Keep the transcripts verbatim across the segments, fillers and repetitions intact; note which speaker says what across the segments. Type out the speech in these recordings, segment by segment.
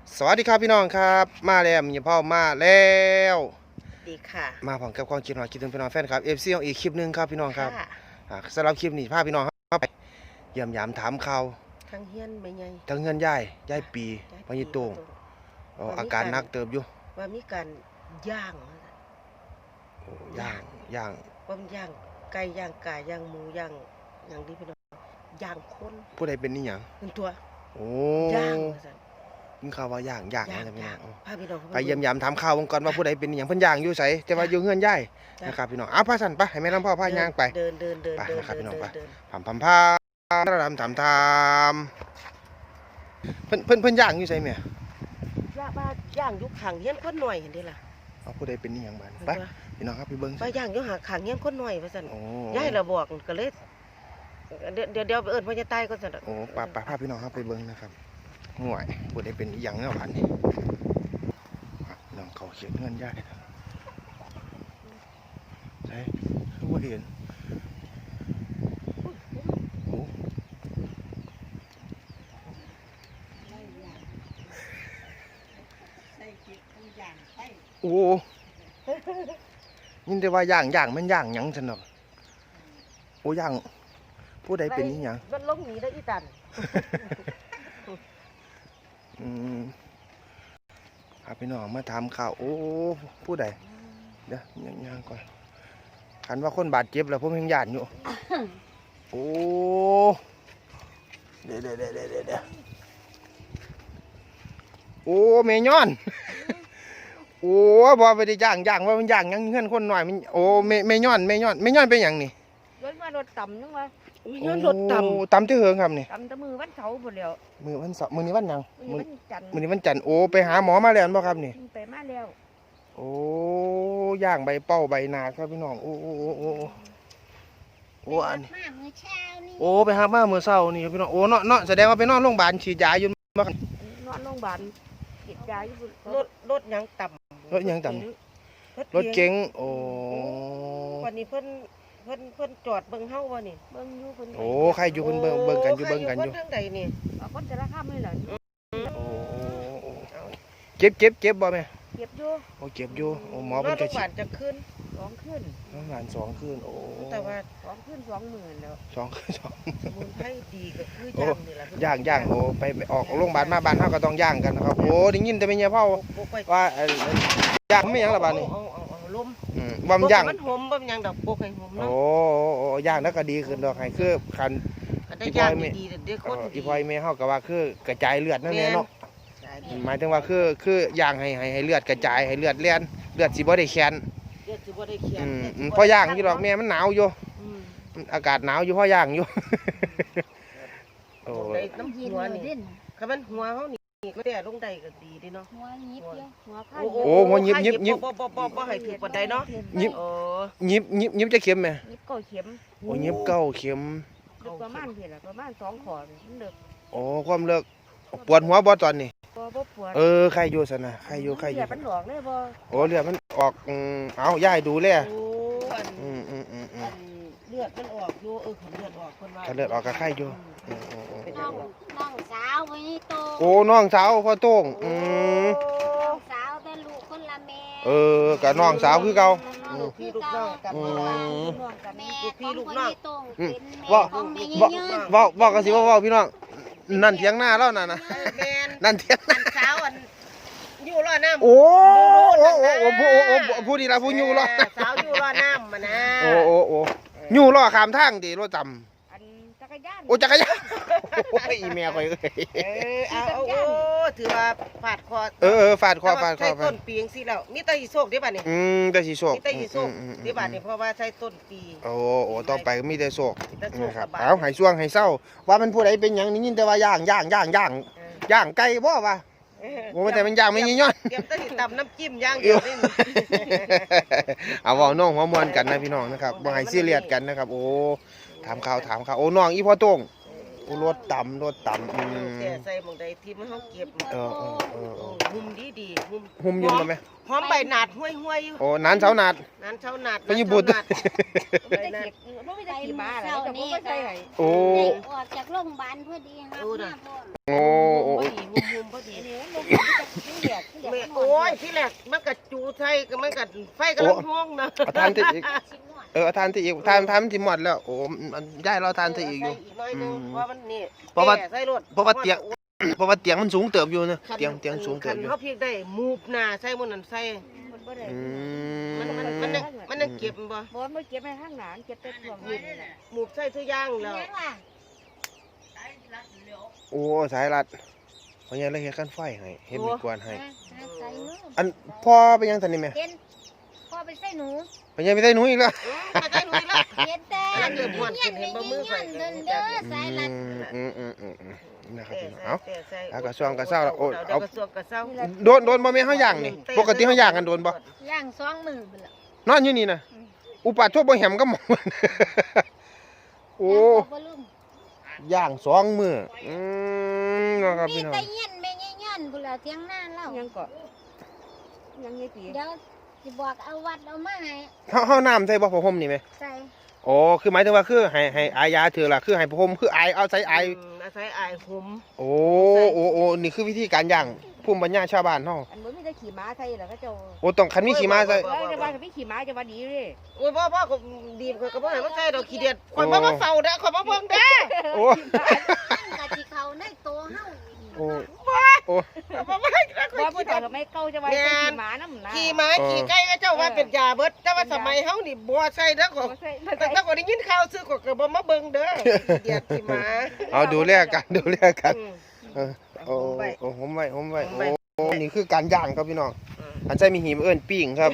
Speaker 1: สวัสดีครับพี่น้องครับมาแล้วมีพ่อมาแล้ว
Speaker 2: ดีค่ะ
Speaker 1: มาพร้อมกับความคิดหน่อยคิดถึงพี่น้องแฟนครับเอฟซีของอีกคลิปหนึ่งครับพี่น้องครับ
Speaker 2: ค่ะ
Speaker 1: อ่าสำหรับคลิปนี้พาพี่น้องครับไปเยี่ยมยามถามข่าว
Speaker 2: ทั้งเฮียนไม่ไง
Speaker 1: ทั้งเงินย่ายย่ายปีพญิตรงอ๋ออาการหนักเติบอยู่
Speaker 2: ว่ามีการย่าง
Speaker 1: โอ้ย่างย่าง
Speaker 2: ว่ามันย่างไก่ย่างกาย่างหมูย่างอย่างนี้พี่น้องย่างคน
Speaker 1: ผู้ใดเป็นนี่หยัง
Speaker 2: เป็นตัว
Speaker 1: โอ้
Speaker 2: ย่าง
Speaker 1: กินข้าวว่าย่างย่างนะพี่น้อง
Speaker 2: พาพี่น้อง
Speaker 1: ไปเยี่ยมยามถามข่าววงก่อนว่าผู้ใดเป็นนี่หยังเพิ่นย่างอยู่ไสแต่ว่าอยู่เงินย่ายนะครับพี่น้องอ้าวพาสั่นไปให้แม่น้ำพ่อพาย่างไป
Speaker 2: เดินเดินเดิน
Speaker 1: ไป
Speaker 2: เดิน
Speaker 1: นะครับพี่น้องไป
Speaker 2: เดิน
Speaker 1: ผำผำพาทำทำทำเพิ่นเพิ่นเพิ่นย่างอยู่ใช่ไหม
Speaker 2: ย่างบ้าย่างยุคขังเฮียนคนหน่อยเห็นดิล่ะ
Speaker 1: เอาผู้ใดเป็นนี่อย่างบ้านไปพี่น้องครับพี่เบิ้ง
Speaker 2: ไปย่างยุคหาขังเฮียนคนหน่อยว่าสั่นย่ายเราบอกก็เลยเดี๋ยวเดี๋ยวเดี๋ยวไปเอิญพ่อจะตายก็สั่น
Speaker 1: โอ้ป้าป้าพาพี่น้องครับไปเบิ้งนะครับห่วยผู้ใดเป็นอย่างเงี้ยบ้านนี้น้องเขาเขียนเงินย่ายใช่ผู้เห็นโอ้ยินแต่ว่าย่างย่างมันย่างหยังฉันหรอกโอ้ย่างผู้ใดเป็นนี่หยัง
Speaker 2: มันลงหนีได้อีตัน
Speaker 1: อืมพาพี่น้องมาทำข่าวโอ้ผู้ใดเดี๋ยวย่างย่างก่อนคันว่าคนบาดเจ็บแล้วผมยังหยาดอยู่โอ้เดี๋ยวเดี๋ยวเดี๋ยวเดี๋ยวเดี๋ยวโอ้เมยอนโอ้บอไปได้ย่างย่างว่ามันย่างยังเงื่อนคนหน่อยมันโอ้เมเมยอนเมยอนเมยอนเป็นอย่างนี่
Speaker 3: รถมารถต่ำนึงวะ
Speaker 2: เมยอนรถต่
Speaker 1: ำต่ำที่เหิงครับนี่
Speaker 3: ต่ำแต่มือวันเสาร์หมดแล้ว
Speaker 1: มือวันเสาร์มือนี้วันยัง
Speaker 3: มือวันจันทร์
Speaker 1: มือนี้วันจันทร์โอ้ไปหาหมอมาแล้วบ่ครับนี่
Speaker 3: ไปมาแล้ว
Speaker 1: โอ้ย่างใบเป้าใบนาครับพี่น้องโอ้โอ้โอ้โอ้โอ้อันนี้โอ้ไปหามาเมื่อเช้านี่ครับพี่น้องโอ้เนาะเนาะแสดงว่าไปนอนโรงพยาบาลฉีดยาอยู่บ่ครับ
Speaker 3: นอนโรงพยาบาลฉีดยาอยู่
Speaker 2: ำรถรถยังต่ำ
Speaker 1: รถยังต่ำรถเก๋งโอ้
Speaker 2: วันนี้เพิ่นเพิ่นเพิ่นจอดเบิ่งเฮาบ่นี่
Speaker 3: เบิ่งอยู่เพิ่น
Speaker 1: โอ้ใครอยู่เพิ่นเบิ่งเบิ่งกันอยู่เบิ่งกันอยู่
Speaker 2: ทางใดนี่
Speaker 3: คนจะราคาไม่เหรอ
Speaker 1: โอ้เจ็บเจ็บเจ็บบ่แม่
Speaker 3: เจ็บอยู่
Speaker 1: โอ้เจ็บอยู่โอ้หมอ
Speaker 2: เพิ่นจะฉีด
Speaker 1: จะ
Speaker 2: ขึ้น
Speaker 3: สองขึ้น
Speaker 1: โรงพยาบาลสองคืนโอ้
Speaker 2: แต่ว่า
Speaker 3: สองขึ้นสองหมื่นแล้ว
Speaker 1: สองคืนสอง
Speaker 2: สมุนไพรดีก็คือย่างนี่ล่ะ
Speaker 1: ย่างย่างโอ้ไปออกโรงพยาบาลมาบ้านเฮาก็ต้องย่างกันนะครับโอ้ได้ยินแต่แม่เฒ่าว่าย่างไม่หยังละบาดนี้
Speaker 2: ลม
Speaker 1: อืมบ่มันย่าง
Speaker 2: มันหอมบ่มันยังดอกโปกให้หอมเนาะ
Speaker 1: โอ้โอ้ย่างแล้วก็ดีขึ้นดอกให้คือคัน
Speaker 2: อีพอยแม่ดีเด้อคน
Speaker 1: อีพอยแม่เฮาก็ว่าคือกระจายเลือดนั่นแหละเนาะหมายถึงว่าคือคือย่างให้ให้ให้เลือดกระจายให้เลือดเลียนเลือดสิบ่ได้แข็ง
Speaker 2: เลือดสิบ่ได้แข็ง
Speaker 1: อืมพอย่างอยู่ดอกแม่มันหนาวอยู่อากาศหนาวอยู่พอย่างอยู่
Speaker 2: โอ้น้ำหัวนี่คันมันหัวเฮานี่ก็แต่ลงได้ก็ดีดิเนาะหัวยิบเดียวหัวผ้าโอ้
Speaker 1: หัวยิบยิบยิบ
Speaker 2: บ่บ่บ่บ่ให้ถูกปานใดเนาะ
Speaker 1: ยิบยิบยิบยิบจะเข็มไหม
Speaker 3: ยิบเก้าเข็ม
Speaker 1: โอ้ยิบเก้าเข็ม
Speaker 3: ประมาณเท่าไหร่ประมาณสองขอมันเลิก
Speaker 1: โอ้ความเลิกปวดหัวบ่ตอนนี้
Speaker 3: บ่บ่ปวด
Speaker 1: เออใครอยู่ซะนะใครอยู่ใครอยู่
Speaker 3: เลือดมันออกเลยบ่
Speaker 1: โอ้เลือดมันออกเอาย่ายดูเลย
Speaker 2: โอ้อัน
Speaker 1: อืมอืมอืมอืม
Speaker 2: เลือดมันออกอยู่เออขันเลือดออกคนว่า
Speaker 1: ขันเลือดออกกับไข้อยู่
Speaker 4: น้องน้องสาวไปนี่โต
Speaker 1: โอ้น้องสาวพ่อโต้งอืม
Speaker 4: น้องสาวแต่ลูกคนละแม่
Speaker 1: เออกับน้องสาวคือเก่า
Speaker 2: ลูกพี่ลูกน้องกัน
Speaker 4: แม่พี่ลูกน้องเป็นแม่ของแม่ยืน
Speaker 1: ว่าว่ากันสิว่าว่าพี่น้องนั่นเถียงหน้าแล้วน่ะนะนั่นเถียง
Speaker 2: นั่นสาวอันอยู่รอน้ำ
Speaker 1: โอ้โอ้โอ้โอ้ผู้โอ้ผู้ดีละผู้อยู่รอ
Speaker 2: สาวอยู่รอน้ำมานะ
Speaker 1: โอ้โอ้โอ้อยู่รอข้ามทางดิรถจำ
Speaker 3: จักรยาน
Speaker 1: โอ้จักรยานโอ้ยอีเมียคอย
Speaker 2: เออเอาโอ้ถือว่าฟาดคอ
Speaker 1: เออเออฟาดคอฟาดคอ
Speaker 2: ต้นปีงสิแล้วมีแต่อีโศกได้ป่ะนี่
Speaker 1: อืมแต่สีโศก
Speaker 2: มีแต่อีโศกได้ป่ะนี่เพราะว่าใช้ต้นปี
Speaker 1: โอ้โอ้ต่อไปมีแต่โศกนะครับเอาหายช่วงหายเศร้าว่ามันผู้ใดเป็นอย่างนี้ยินแต่ว่าย่างย่างย่างย่างย่างไก่บ่วะโอ้แต่มันย่างไม่ยิ่งย้อน
Speaker 2: เตรียมต้นตำน้ำจิ้มย่างเดียวนี่
Speaker 1: เอาว่าน้องหัวมวนกันนะพี่น้องนะครับบ่ให้ซีเรียสกันนะครับโอ้ถามข่าวถามข่าวโอ้น้องอีพ่อโต้งโอ้รถต่ำรถต่ำอืม
Speaker 2: แต่ใส่หมองใดที่มันเขาเก็บ
Speaker 1: เออเออเออ
Speaker 2: หุ่มดีดีหุ่ม
Speaker 1: หุ่มยืนมาไหม
Speaker 2: หอมใบหนาดห้วยห้วยอยู่
Speaker 1: โอ้นานเช้านาด
Speaker 2: นานเช้านาด
Speaker 1: ไปญี่ปุ่น
Speaker 3: ไม่ได้เก็บไม่ได้ขี่ม้าแล้วจะไม่ใช่ไหน
Speaker 1: โอ้
Speaker 4: ออกจากโรงพยาบาลพอดีครับ
Speaker 1: โอ้โอ้
Speaker 2: หุ่มหุ่มพอดี
Speaker 3: เดี๋ยวลง
Speaker 2: ที่แรกมันก็จูใส่ก็มันก็ไฟกำลังห้องนะ
Speaker 1: เอาทานที่อีกเออเอาทานที่อีกทานทานมันสิหมดแล้วโอ้มันย้ายเราทานที่อีกอยู่
Speaker 2: อีกหน่อยนึงเพราะมันนี่
Speaker 1: เพราะว่า
Speaker 2: ใส่รถ
Speaker 1: เพราะว่าเตียงเพราะว่าเตียงมันสูงเติบอยู่นะเตียงเตียงสูงเติบอยู่
Speaker 2: เขาเพียงได้มูบหน้าใส่มันนั่นใส่
Speaker 3: มันบ่ได้
Speaker 1: อื
Speaker 2: มัน
Speaker 1: ม
Speaker 2: มันมันยังมันยังเก็บบ่
Speaker 3: บ่มันเก็บไปข้างหลังเก็บแต่ช่วงนี้
Speaker 2: มูบใส่ทุกอย่างแล้ว
Speaker 4: ยังล่ะ
Speaker 1: โอ้สายรัดเพราะงั้นเลยเฮ็ดกันไฟให้เฮ็ดมีกวนให้
Speaker 4: ใส่มือ
Speaker 1: อันพ่อไปยังทันนี่แม่
Speaker 4: เห็นพ่อไปใส่หนู
Speaker 1: ไปยังไปได้หนูอีกแล้ว
Speaker 2: มาใส่หนุ่ยละ
Speaker 4: เห็นแต่เงี้ยนเงี้ยนเดินเด้อสายลัด
Speaker 1: อืมอืมอืมอืมนะครับพี่น้องเอา
Speaker 2: แต่ใส่
Speaker 1: เอากระซวงกระเซ้าแล้วโอ้
Speaker 2: เอา
Speaker 1: เอา
Speaker 2: กระซวงกระเซ้า
Speaker 1: โดนโดนบ่แม่นเฮาย่างนี่ปกติเฮาย่างกันโดนบ่
Speaker 4: ย่างสองมือไปละ
Speaker 1: นอนอยู่นี่นะอุปาทั่วบ่แหมก็หมองโอ้
Speaker 4: บ่ลืม
Speaker 1: ย่างสองมื้ออืมนะครับ
Speaker 4: มี
Speaker 1: พี่น้อง
Speaker 4: แต่เงี้ยนแม่เงี้ยนพุ่นละเถียงหน้าเล่า
Speaker 3: ยังก็ยังยี่ปี
Speaker 4: เดี๋ยวสิบอกเอาวัดเอามาให้
Speaker 1: เฮาเฮาน้ำใส่บ่ผ้าห่มนี่แม่
Speaker 4: ใส่
Speaker 1: อ๋อคือหมายถึงว่าคือให้ให้อายาถือล่ะคือให้ผ้าห่มคืออายเอาใส่อาย
Speaker 2: อาศัยอายหุม
Speaker 1: โอ้โอ้โอ้นี่คือวิธีการย่างภูมิปัญญาชาวบ้านเฮา
Speaker 3: อันบ่มีแต่ขี่ม้าใส่แล้วก็เจ้า
Speaker 1: โอ้ต้องคันมีขี่ม้าใส่
Speaker 3: เออจะว่าพี่ขี่ม้าจะว่าดีเลย
Speaker 2: โอ้ยพ่อพ่อก็ดีข่อยก็บ่ให้มันใส่ดอกขี้เดียดข่อยบ่มาเฝ้าเด้อข่อยบ่เบิ่งเด้อ
Speaker 1: โอ้
Speaker 4: กะสิเขาในโตเฮา
Speaker 1: โอ้โอ้
Speaker 2: บ่มาให้ข่อย
Speaker 3: ว่าผู้
Speaker 2: ขี้เดี
Speaker 3: เฒ่าย
Speaker 2: ด
Speaker 3: ก็ไม่เก่าจะว่าขี่ม้านำนะ
Speaker 2: ขี่ม้าขี่ไก่ก็เจ้าว่าเป็นยาเบิดแต่ว่าสมัยเฮานี่บ่ใส่เด้อข่อย
Speaker 3: ใส่
Speaker 2: แต่ถ้าข่อยได้ยินข่าวซื้อข่อยก็บ่มาเบิ่งเด้อขี้เดียดขี่ม้า
Speaker 1: เอาดูแลกันดูแลกัน
Speaker 2: อืม
Speaker 1: เออโอ้
Speaker 2: ผมไว้
Speaker 1: โอ้ผมไว้ผมไว้
Speaker 2: ผมไว้
Speaker 1: โอ้นี่คือการย่างครับพี่น้องอันใช่มีหีบเอิ้นปิ้งครับ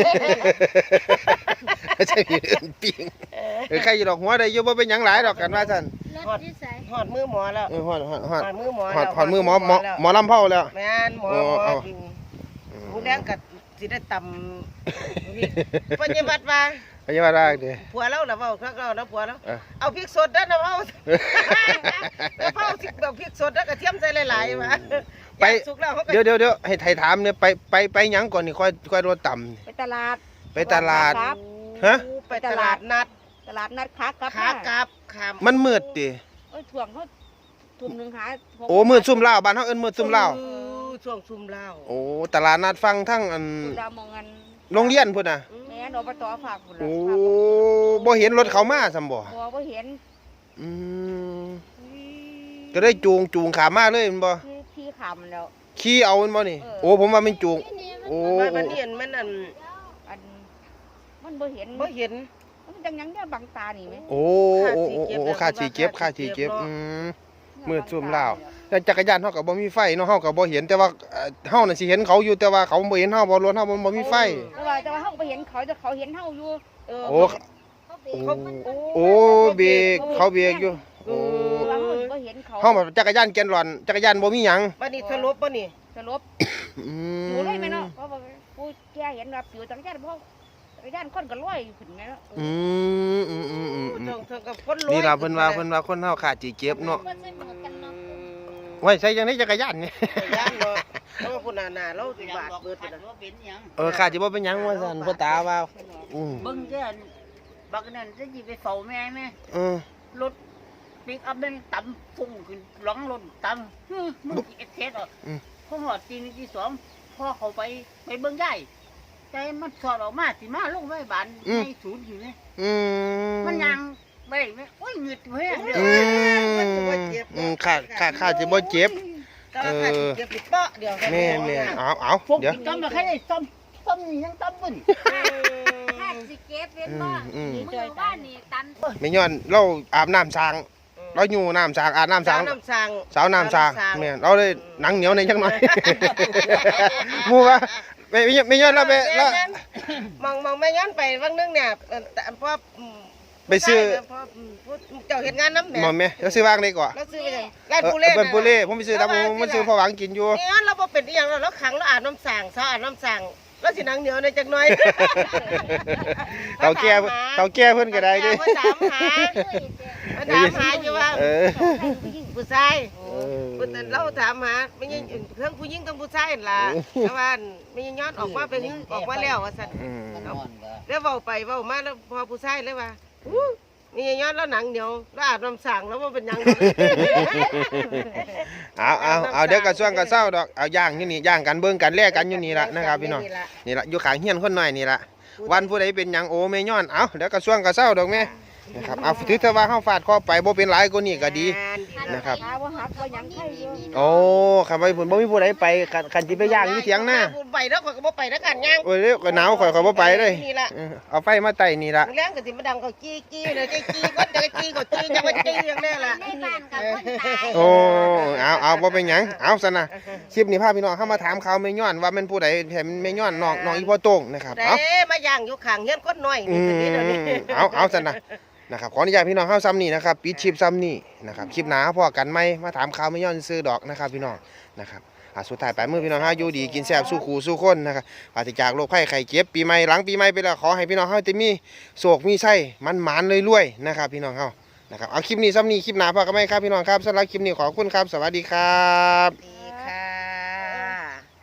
Speaker 1: อันใช่มีเอิ้นปิ้งเออใครอยู่ดอกหัวได้อยู่บ่เป็นหยังหลายดอกกันว่าซั่น
Speaker 4: รถที่ใส่
Speaker 2: หอดมือหมอแล้ว
Speaker 1: เออฮอดฮอดฮอด
Speaker 2: หอดมือหมอ
Speaker 1: ฮอด
Speaker 2: แล้ว
Speaker 1: ฮอดมือหมอหมอหมอลำเผาแล้ว
Speaker 2: แม่นหมอ
Speaker 1: โอ้
Speaker 2: หมอ
Speaker 1: เอา
Speaker 2: จริง
Speaker 1: อืม
Speaker 2: ผู้แดงก็สิได้ตำปฏิบัติว่า
Speaker 1: พยาบาลได้เด้อ
Speaker 2: ผัวเราน่ะเว้าคักเรานะผัวเรา
Speaker 1: เออ
Speaker 2: เอาพริกสดเด้อนะเว้าแล้วเผาสิแบบพริกสดแล้วก็เทียมใส่หลายๆมา
Speaker 1: ไป
Speaker 2: ย่างสุกแล้วเขาก็
Speaker 1: เดี๋ยวเดี๋ยวเดี๋ยวให้ไทยถามเนี่ยไปไปไปหยังก่อนนี่ค่อยค่อยรถต่ำ
Speaker 3: ไปตลาด
Speaker 1: ไปตลาด
Speaker 3: ครับ
Speaker 1: ฮะ
Speaker 2: ไปตลาดนัด
Speaker 3: ตลาดนัดค้ากลับ
Speaker 2: ขากลับขาม
Speaker 1: มันมืดติ
Speaker 3: เอ้ยถ่วงเขาทุ่มหนึงหา
Speaker 1: โอ้มืดซุ่มเหล้าบ้านเฮาเอิ้นมืดซุ่มเหล้า
Speaker 2: ออช่วงซุ่มเหล้า
Speaker 1: โอ้ตลาดนัดฟังทั้งอัน
Speaker 3: ตุลามองกัน
Speaker 1: โรงเรียนพุ่นน่ะ
Speaker 3: แม่นอบตฝากพุ่นล่ะ
Speaker 1: โอ้บ่เห็นรถเขามาซั่นบ่
Speaker 3: บ่บ่เห็น
Speaker 1: อืมก็ได้จูงจูงขามาเลยแม่นบ่
Speaker 3: คือพี่ขำแล้ว
Speaker 1: ขี่เอาแม่นบ่นี่
Speaker 3: เออ
Speaker 1: โอ้ผมว่ามันจูงโอ้
Speaker 2: ว่า
Speaker 1: โอ้
Speaker 2: มันเนียนมันอัน
Speaker 3: อันมันบ่เห็น
Speaker 2: บ่เห็น
Speaker 3: มันจังหยังเนี่ยบังตานี่ไหม
Speaker 1: โอ้โอ้โอ้โอ้ค่าสิเก็บค่าสิเก็บอืมมืดซุ่มเหล้าแต่จักรยานเฮาก็บ่มีไฟเนาะเฮาก็บ่เห็นแต่ว่าเอ่อเฮาน่ะสิเห็นเขาอยู่แต่ว่าเขาบ่เห็นเฮาบ่รถเฮาบ่บ่มีไฟ
Speaker 3: แต่ว่าแต่ว่าเฮาบ่เห็นเขาแต่เขาเห็นเฮาอยู่
Speaker 2: เออ
Speaker 1: โอ้
Speaker 4: เขาเบร
Speaker 1: โอ้
Speaker 4: กมัน
Speaker 1: โอ้เบรกเขาเบรกอยู่โอ้
Speaker 3: แต่ว่าเฮาบ่เห็นเขา
Speaker 1: เฮาแบบจักรยานแกนหลอนจักรยานบ่มีหยัง
Speaker 2: บัดนี้สรุปบ่นี่
Speaker 3: สลบ
Speaker 1: อื
Speaker 3: อยู่เลยแม่เนาะเพราะว่าผู้แก่เห็นว่าปิวจักรยานเพราะจักรยานคนก็ลอยขึ้นแม่เนาะ
Speaker 1: อืมอืมอืมอืมอืม
Speaker 2: เทิงเทิงกับคนรวย
Speaker 1: นี่ล่ะเพิ่นว่าเพิ่นว่าคนเฮาขาดสิเก็บเนาะ
Speaker 4: บ่ใส่หมวกกันน็อก
Speaker 1: ไว้ใช้จังได๋จักรยานนี่
Speaker 2: ย่านเนาะเพราะว่าพุ่นน่ะน่ะเราสิบาทเบิดพุ่นน่ะ
Speaker 1: เออขาดสิบ่เป็นหยังว่าซั่นพ่อตาว่าอืม
Speaker 5: เบิ่งเด้อบักนั่นจะสิไปเฝ้าแม่แม่
Speaker 1: เออ
Speaker 5: รถปิกอัพแม่งต่ำฟุ้งขึ้นหลังรถต่ำฮึมึงสิเอ็ดเทสอ่ะ
Speaker 1: อืม
Speaker 5: พอหอดตีหนึ่งตีสองพ่อเขาไปไปเบิ่งได้ใจมันสอดออกมาสิมาลงไว้บานในศูนย์อยู่นี่
Speaker 1: อืม
Speaker 5: มันยังไปไหมโอ้ยหงึดเว้ยเด้อ
Speaker 1: อืมอืมขาดขาดขาดสิบ่เจ็บ
Speaker 2: ก็ราคาสิเก็บอีกเปาะเดียว
Speaker 1: แม่นแม่นเอาเอา
Speaker 5: ฟุ้ง
Speaker 1: เดี๋ยว
Speaker 5: ปิกอัพมาแค่ได้ซ่อมซ่อมนี่ยังต่ำบุ่น
Speaker 4: ถ้าสิเก็บเป็นบ่
Speaker 1: อืม
Speaker 4: มือบ้านนี่ตัน
Speaker 1: แม่ย้อนเราอาบน้ำสางเราอยู่น้ำสางอาบน้ำสา
Speaker 2: สาง วน้ำสาง
Speaker 1: สาวน้ำสางแม่นเราเลยหนังเหนียวในจังหน่อย หมู่ว่าไม่ไม่ไม่ย้อนเราไปเรา
Speaker 2: มองมองแม่ย้อนไปบางนึงเนี่ยเอ่อแต่พออืม
Speaker 1: ไปซื้อ
Speaker 2: พออืมผู้เจ้าเฮ็ดงานน้ำแหม่
Speaker 1: หมอแม่เราซื้อวางได้ก่อน
Speaker 2: เราซื้อไปจังร้าน
Speaker 1: เออ
Speaker 2: ปูเล่
Speaker 1: เป็นปูเล่ผมไปซื้อตามผมมันซื้อพอหวังกินอยู่
Speaker 2: นี่งั้นเราบ่เป็นอีหยังแล้วเราขังเราอาบน้ำสางเช้าอาบน้ำสางแล้วสิหนังเหนียวในจักหน่อย
Speaker 1: เต่าแก่เต่าแก่เพิ่นก็ได้เด้
Speaker 2: มาถามหามาถามหาอยู่ว่า
Speaker 1: เออ
Speaker 2: ผู้ชาย
Speaker 1: เออ
Speaker 2: ผู้แต่เราถามหาไม่ใช่เรื่องผู้หญิงกับผู้ชายนั่นล่ะแต่ว่าไม่ใช่ย้อนออกมาเป็นออกมาแล้วว่าซั่น
Speaker 1: อืม
Speaker 2: แล้วเว้าไปเว้ามาแล้วพอผู้ชายเลยว่าอู้นี่ย้อนแล้วหนังเหนียวแล้วอาบน้ำสั่งแล้วมันเป็นยัง
Speaker 1: เอาเอาเอาเดี๋ยวกระช่วงกระเซ้าดอกเอาย่างอยู่นี่ย่างกันเบิ่งกันแลกกันอยู่นี่ละนะครับพี่น้องนี่ละอยู่ข้างเฮียนคนน้อยนี่ละวันผู้ใดเป็นหยังโอแม่ย้อนเอาเดี๋ยวกระช่วงกระเซ้าดอกแม่นะครับเอาถือแต่ว่าเฮาฟาดคอไปบ่เป็นหลายกว่านี้ก็ดีนะครับ
Speaker 3: หาว่าหักว่าหยังไข่อยู่
Speaker 1: โอ้คันไปพุ่นบ่มีผู้ใดไปคันคันสิไปย่างอยู่เถียงหน้า
Speaker 2: ไปแล้วข่อยก็บ่ไปแล้วกันย่าง
Speaker 1: โอ้ยเด้อก็หนาวข่อยข่อยบ่ไปเลย
Speaker 2: นี่ล่ะ
Speaker 1: เออเอาไฟมาไต่นี่ละ
Speaker 2: แรงก็สิมาดังเขาจี้จี้เลยจี้จี้ก็จะจี้ก็จี้จะมาจี้อย่างนี้ล่ะ
Speaker 4: ในบ้านกับคนตาย
Speaker 1: โอ้เอาเอาบ่เป็นหยังเอาซะนะคลิปนี้พาพี่น้องเข้ามาถามข่าวแม่ย้อนว่ามันผู้ใดแถมแม่ย้อนน้องน้องอีพ่อโต้งนะครับ
Speaker 2: แต่
Speaker 1: เอา
Speaker 2: มาย่างอยู่ข้างเฮียนคนน้อย
Speaker 1: อื
Speaker 2: นี่ตัวนี้
Speaker 1: ม
Speaker 2: เดี๋ยวนี้
Speaker 1: เอาเอาซะนะนะครับขออนุญาตพี่น้องเข้าซ้ำนี่นะครับปิดคลิปซ้ำนี่นะครับคลิปหนาพอกันไหมมาถามข่าวแม่ย้อนซื้อดอกนะครับพี่น้องนะครับอ่ะสุดท้ายไปมือพี่น้องเฮาอยู่ดีกินแซ่บสู้ขู่สู้คนนะครับปราศจากโรคภัยไข้เจ็บปีใหม่หลังปีใหม่ไปแล้วขอให้พี่น้องเฮาจะมีโศกมีไส้มันหมานรวยๆนะครับพี่น้องเฮานะครับเอาคลิปนี้ซ้ำนี่คลิปหนาพอกันไหมครับพี่น้องครับสำหรับคลิปนี้ขอบคุณครับสวัสดีครับ
Speaker 2: ดี